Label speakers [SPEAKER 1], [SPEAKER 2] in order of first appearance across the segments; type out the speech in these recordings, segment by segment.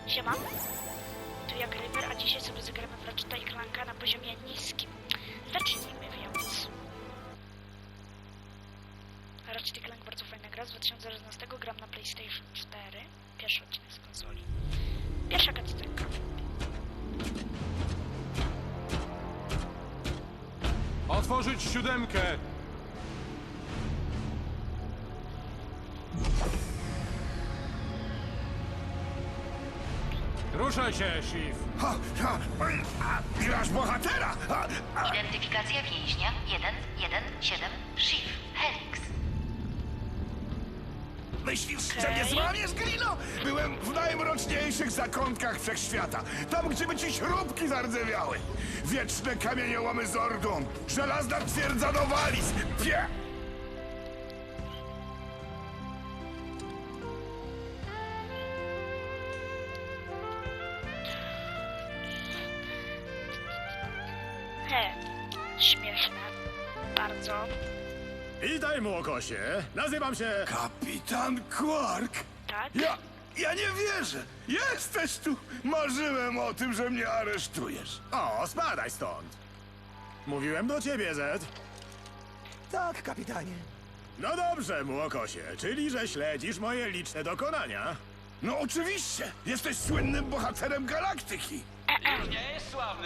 [SPEAKER 1] Siema. Tu jak River, a dzisiaj sobie zagramy w Ratcheta i Clanka na poziomie niskim. Zacznijmy więc. Ratchet i Clank bardzo fajna gra z 2011. Gram na PlayStation 4. Pierwszy odcinek z konsoli. Pierwsza cutscenka.
[SPEAKER 2] Otworzyć 7! Ruszaj się, Shiv!
[SPEAKER 3] Grasz bohatera!
[SPEAKER 4] Identyfikacja więźnia 117 Shiv Helix.
[SPEAKER 3] Myślisz, że nie złamiesz, Grino? Byłem w najmroczniejszych zakątkach wszechświata. Tam, gdzie by ci śrubki zardzewiały. Wieczne kamieniołomy Zordon. Żelazna twierdza Nowalis.
[SPEAKER 1] Śmieszne. Bardzo.
[SPEAKER 5] Witaj, młokosie. Nazywam się...
[SPEAKER 3] Kapitan Quark?
[SPEAKER 1] Tak?
[SPEAKER 3] Ja nie wierzę. Jesteś tu. Marzyłem o tym, że mnie aresztujesz.
[SPEAKER 5] O, spadaj stąd. Mówiłem do ciebie, Zed.
[SPEAKER 6] Tak, kapitanie.
[SPEAKER 5] No dobrze, młokosie, czyli że śledzisz moje liczne dokonania.
[SPEAKER 3] No oczywiście. Jesteś słynnym bohaterem galaktyki.
[SPEAKER 7] Nie jest sławny.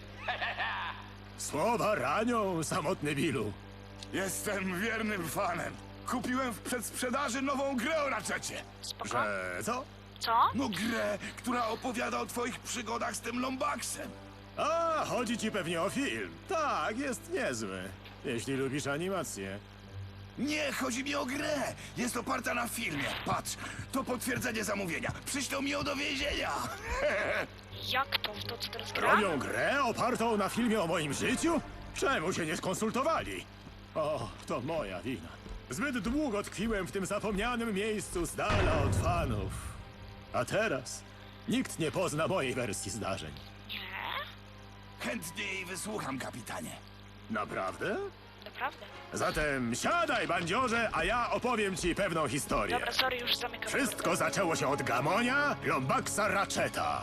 [SPEAKER 5] Słowa ranią, samotny Billu.
[SPEAKER 3] Jestem wiernym fanem. Kupiłem w przedsprzedaży nową grę o Ratchetie.
[SPEAKER 1] Spoko.
[SPEAKER 5] Że co?
[SPEAKER 1] Co?
[SPEAKER 3] No grę, która opowiada o twoich przygodach z tym Lombaxem.
[SPEAKER 5] A, chodzi ci pewnie o film. Tak, jest niezły. Jeśli lubisz animację.
[SPEAKER 3] Nie, chodzi mi o grę. Jest oparta na filmie. Patrz, to potwierdzenie zamówienia. Przyślą mi ją do więzienia.
[SPEAKER 1] Jak to? W to co teraz gra?
[SPEAKER 5] Robią grę opartą na filmie o moim życiu? Czemu się nie skonsultowali? O, to moja wina. Zbyt długo tkwiłem w tym zapomnianym miejscu z dala od fanów. A teraz nikt nie pozna mojej wersji zdarzeń.
[SPEAKER 1] Nie?
[SPEAKER 3] Chętnie jej wysłucham, kapitanie.
[SPEAKER 5] Naprawdę?
[SPEAKER 1] Naprawdę.
[SPEAKER 5] Zatem siadaj, bandziorze, a ja opowiem ci pewną historię.
[SPEAKER 1] Dobra, sorry, już zamykam.
[SPEAKER 5] Wszystko zaczęło się od Gamonia, Lombaxa Ratcheta.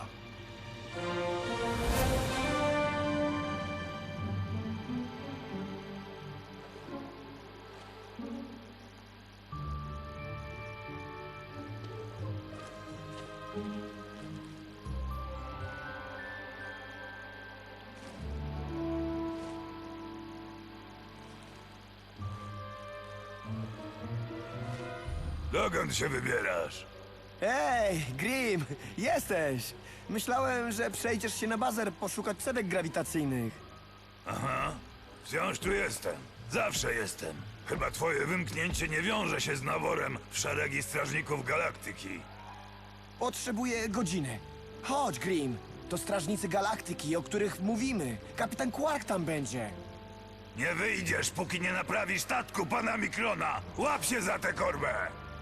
[SPEAKER 3] Dokąd się wybierasz?
[SPEAKER 6] Ej, Grim, jesteś! Myślałem, że przejdziesz się na bazer poszukać cewek grawitacyjnych.
[SPEAKER 8] Aha, wciąż tu jestem. Zawsze jestem. Chyba twoje wymknięcie nie wiąże się z naborem w szeregi strażników galaktyki.
[SPEAKER 6] Potrzebuję godziny. Chodź, Grim. To strażnicy galaktyki, o których mówimy. Kapitan Quark tam będzie.
[SPEAKER 8] Nie wyjdziesz, póki nie naprawisz statku pana Mikrona. Łap się za tę korbę!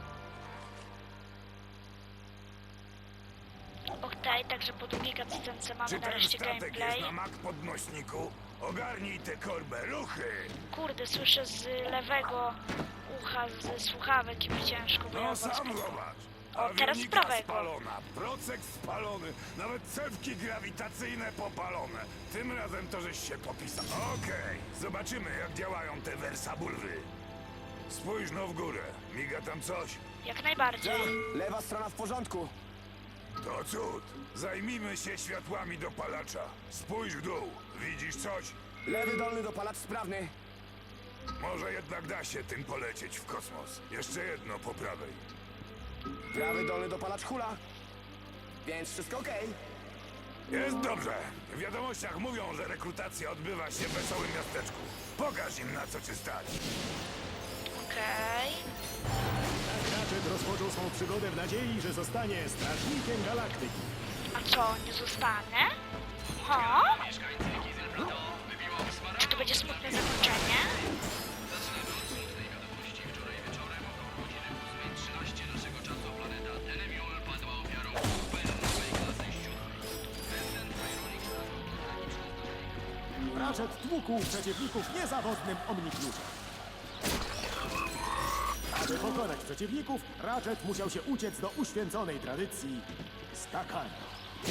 [SPEAKER 1] Okej, także po długiej cutscence mamy
[SPEAKER 8] Czy ten
[SPEAKER 1] nareszcie
[SPEAKER 8] statek jest
[SPEAKER 1] gameplay.
[SPEAKER 8] na mak podnośniku? Ogarnij tę korbę, ruchy!
[SPEAKER 1] Kurde, słyszę z lewego ucha, ze słuchawek i mi ciężko, bo ja
[SPEAKER 8] No sam
[SPEAKER 1] włączam.
[SPEAKER 8] zobacz.
[SPEAKER 1] O, teraz z
[SPEAKER 8] Awionika
[SPEAKER 1] prawego.
[SPEAKER 8] spalona, procek spalony, nawet cewki grawitacyjne popalone. Tym razem to żeś się popisał. Okej, zobaczymy jak działają te wersabulwy. Spójrz no w górę, miga tam coś.
[SPEAKER 1] Jak najbardziej.
[SPEAKER 6] Lewa strona w porządku.
[SPEAKER 8] To cud. Zajmijmy się światłami dopalacza. Spójrz w dół, widzisz coś?
[SPEAKER 6] Lewy dolny dopalacz sprawny.
[SPEAKER 8] Może jednak da się tym polecieć w kosmos. Jeszcze jedno po prawej.
[SPEAKER 6] Prawy dolny dopalacz hula. Więc wszystko okej.
[SPEAKER 8] Jest dobrze. W wiadomościach mówią, że rekrutacja odbywa się w wesołym miasteczku. Pokaż im na co cię stać.
[SPEAKER 1] Okej.
[SPEAKER 5] Ratchet rozpoczął swą przygodę w nadziei, że zostanie strażnikiem galaktyki.
[SPEAKER 1] A co, nie zostanę? Ha? Czy to będzie smutne zakończenie?
[SPEAKER 5] Ratchet tłukł przeciwników niezawodnym omnikluczem. Aby pokonać przeciwników, Ratchet musiał się uciec do uświęconej tradycji skakania.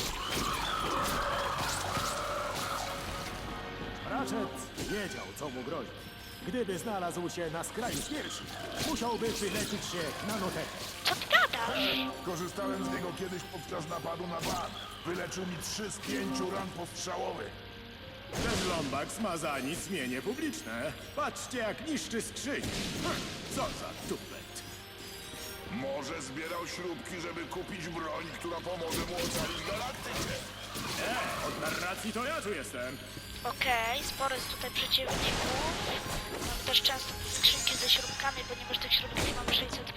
[SPEAKER 5] Ratchet wiedział, co mu grozi. Gdyby znalazł się na skraju śmierci, musiałby wyleczyć się na notekę.
[SPEAKER 1] Co ty gadasz?
[SPEAKER 3] Korzystałem z niego kiedyś podczas napadu na bar. Wyleczył mi 3 z 5 ran postrzałowych.
[SPEAKER 5] Ten Lombax ma za nic mienie publiczne. Patrzcie, jak niszczy skrzynię. Co za tupet.
[SPEAKER 3] Może zbierał śrubki, żeby kupić broń, która pomoże mu ocalić galaktykę.
[SPEAKER 5] Od narracji to ja tu jestem.
[SPEAKER 1] Okej, sporo jest tutaj przeciwników. Mam też często te skrzynki ze śrubkami, ponieważ tych śrubek mam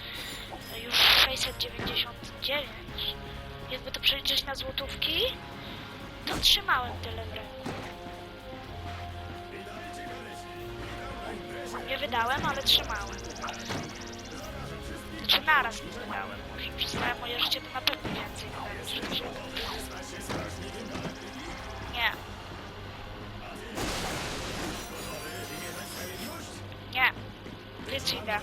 [SPEAKER 1] 699. Jakby to przeliczyć na złotówki, to trzymałem tyle w ręku. Nie wydałem, ale trzymałem. Znaczy naraz nie wydałem. Może przez całe moje życie to na pewno więcej wydałem niż to, że... Nie. Nie. Więc idę.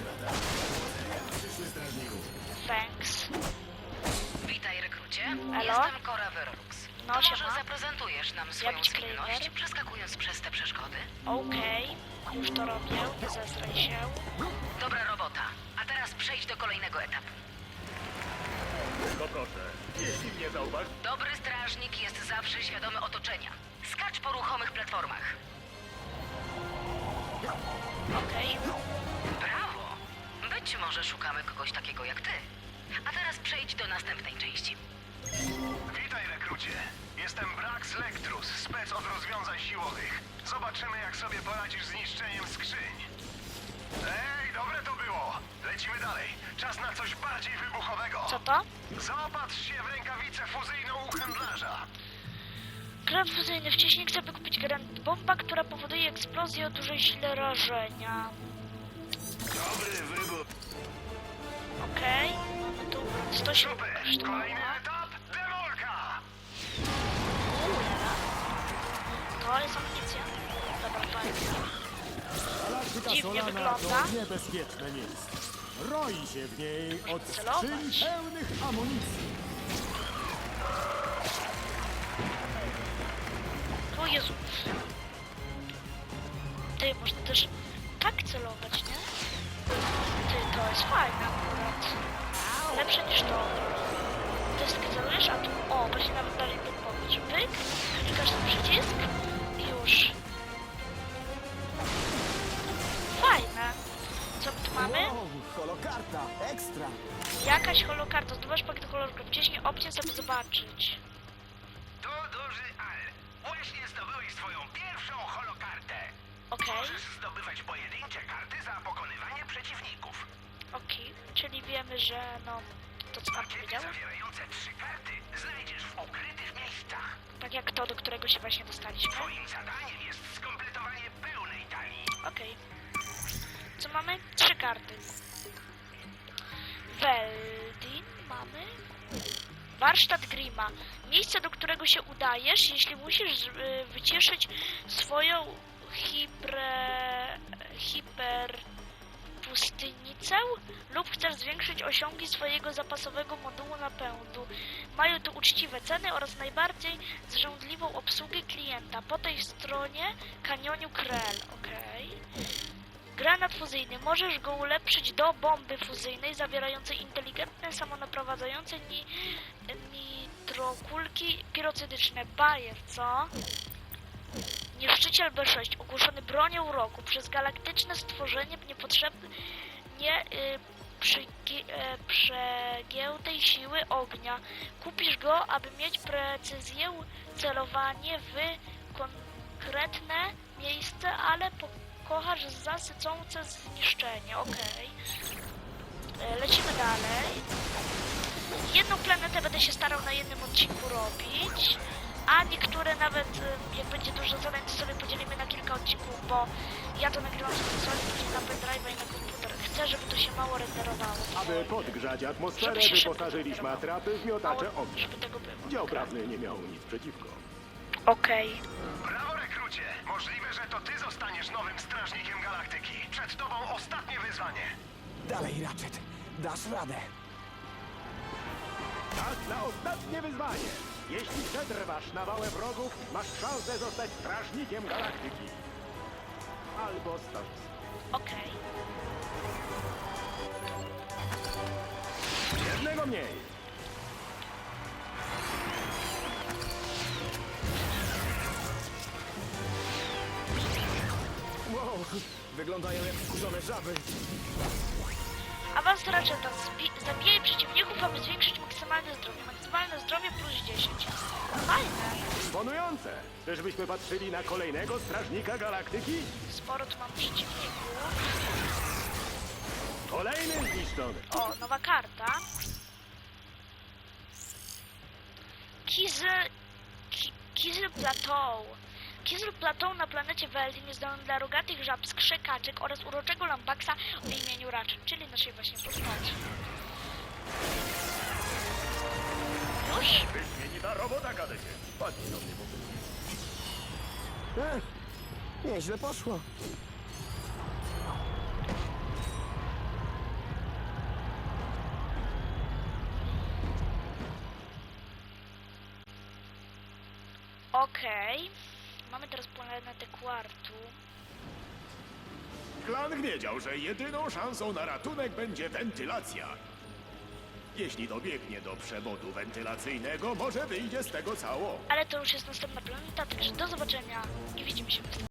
[SPEAKER 1] Thanks.
[SPEAKER 4] Witaj, rekrucie.
[SPEAKER 1] Elo?
[SPEAKER 4] Jestem Cora Verrux.
[SPEAKER 1] No,
[SPEAKER 4] To może
[SPEAKER 1] siema.
[SPEAKER 4] zaprezentujesz nam swoją
[SPEAKER 1] być
[SPEAKER 4] zwinność,
[SPEAKER 1] Kramer?
[SPEAKER 4] przeskakując przez te przeszkody?
[SPEAKER 1] Okej. Już to robię. Nie zestraj się.
[SPEAKER 4] Dobra robota. A teraz przejdź do kolejnego etapu.
[SPEAKER 5] Tylko proszę, jeśli mnie zauważ...
[SPEAKER 4] Dobry strażnik jest zawsze świadomy otoczenia. Skacz po ruchomych platformach.
[SPEAKER 1] Okej.
[SPEAKER 4] Brawo! Być może szukamy kogoś takiego jak ty. A teraz przejdź do następnej części.
[SPEAKER 7] Witaj, rekrucie. Jestem Brax Lectrus, spec od rozwiązań siłowych. Zobaczymy, jak sobie poradzisz z niszczeniem skrzyń. Ej, dobre to było. Lecimy dalej. Czas na coś bardziej wybuchowego.
[SPEAKER 1] Co to?
[SPEAKER 7] Zaopatrz się w rękawicę fuzyjną u handlarza.
[SPEAKER 1] Granat fuzyjny. Wcześniej chcę wykupić granat bomba, która powoduje eksplozję o dużej sile rażenia.
[SPEAKER 7] Dobry wybór.
[SPEAKER 1] Okej. Mamy tu 100 śrubek
[SPEAKER 7] Super.
[SPEAKER 1] kosztowało.
[SPEAKER 7] Kolejny etap. Demolka.
[SPEAKER 1] To jest amunicja. Dobra, fajnie.
[SPEAKER 5] Galaktyka
[SPEAKER 1] Dziwnie
[SPEAKER 5] Solana
[SPEAKER 1] wygląda.
[SPEAKER 5] to niebezpieczne miejsce. Roi się w niej od
[SPEAKER 1] celować.
[SPEAKER 5] skrzyń pełnych amunicji.
[SPEAKER 1] O Jezu. Ty, można też tak celować, nie? Ty, to jest fajne akurat. Lepsze niż to. To jest takie celujesz, a tu... O, właśnie nawet dalej podpowiedź. Pyk, klikasz na przycisk i już. Fajne. Co my tu mamy?
[SPEAKER 6] Wow, holokarta, ekstra.
[SPEAKER 1] Jakaś holokarta. Zdobywasz pakiet kolorów. Wciśnij opcję, żeby zobaczyć.
[SPEAKER 7] To duży Al. Właśnie zdobyłeś swoją pierwszą holokartę.
[SPEAKER 1] Okej.
[SPEAKER 7] Możesz zdobywać pojedyncze karty za pokonywanie przeciwników.
[SPEAKER 1] Okej. Czyli wiemy, że no... To co nam
[SPEAKER 7] Pakiety
[SPEAKER 1] powiedział?
[SPEAKER 7] zawierające 3 karty znajdziesz w ukrytych miejscach.
[SPEAKER 1] Tak jak to, do którego się właśnie dostaliśmy.
[SPEAKER 7] Twoim zadaniem jest skompletowanie pełnej talii.
[SPEAKER 1] Okej. Co mamy? 3 karty. Weldin mamy. Warsztat Grima. Miejsce, do którego się udajesz, jeśli musisz wycieszyć swoją hiperpustynicę lub chcesz zwiększyć osiągi swojego zapasowego modułu napędu. Mają tu uczciwe ceny oraz najbardziej zżądliwą obsługę klienta. Po tej stronie kanioniu Krell. Okej. Granat fuzyjny. Możesz go ulepszyć do bomby fuzyjnej zawierającej inteligentne, samonaprowadzające nitrokulki pirocydyczne. Bajer, co? Niszczyciel B6, ogłoszony bronią roku przez galaktyczne stworzenie niepotrzebnie przegiętej siły ognia. Kupisz go, aby mieć precyzję, celowanie w konkretne miejsce, ale pokochasz zasycące zniszczenie. Okej. Lecimy dalej. Jedną planetę będę się starał na jednym odcinku robić, a niektóre nawet, jak będzie dużo zadań, to sobie podzielimy na kilka odcinków, bo ja to nagrywam z konsoli, później na pendrive'a i na komputer. Chcę, żeby to się mało renderowało.
[SPEAKER 5] Aby podgrzać atmosferę,
[SPEAKER 1] Żeby się szybko
[SPEAKER 5] wyposażyliśmy
[SPEAKER 1] renderowało.
[SPEAKER 5] atrapy w miotacze
[SPEAKER 1] Mało,
[SPEAKER 5] ognia.
[SPEAKER 1] żeby tego było.
[SPEAKER 5] Dział prawny nie miał nic przeciwko.
[SPEAKER 1] Okej.
[SPEAKER 7] Brawo, rekrucie! Możliwe, że to ty zostaniesz nowym strażnikiem galaktyki. Przed tobą ostatnie wyzwanie.
[SPEAKER 6] Dalej, Ratchet. Dasz radę.
[SPEAKER 9] Czas na ostatnie wyzwanie. Jeśli przetrwasz nawałę wrogów, masz szansę zostać strażnikiem galaktyki. Albo stoisk.
[SPEAKER 1] Okej.
[SPEAKER 9] Jednego mniej.
[SPEAKER 6] Wow, wyglądają jak wkurzone żaby.
[SPEAKER 1] Awans Ratcheta. Zabijaj przeciwników, aby zwiększyć maksymalne zdrowie. Maksymalne zdrowie plus 10. Fajne.
[SPEAKER 9] Imponujące. Czyżbyśmy patrzyli na kolejnego strażnika galaktyki?
[SPEAKER 1] Sporo tu mam przeciwników.
[SPEAKER 9] Kolejny zniszczony.
[SPEAKER 1] O, nowa karta. Kizel Plateau. Kizel Plateau na planecie Weldin jest domem dla rogatych żab, skrzekaczek oraz uroczego lambaksa o imieniu Ratchet, czyli naszej właśnie postaci. Już?
[SPEAKER 9] Wyśmienita robota, kadecie. Patrzcie na mnie,
[SPEAKER 6] Nieźle poszło.
[SPEAKER 1] Okej. Mamy teraz planetę Quartu.
[SPEAKER 5] Klan wiedział, że jedyną szansą na ratunek będzie wentylacja. Jeśli dobiegnie do przewodu wentylacyjnego, może wyjdzie z tego cało.
[SPEAKER 1] Ale to już jest następna planeta, także do zobaczenia i widzimy się w następnym.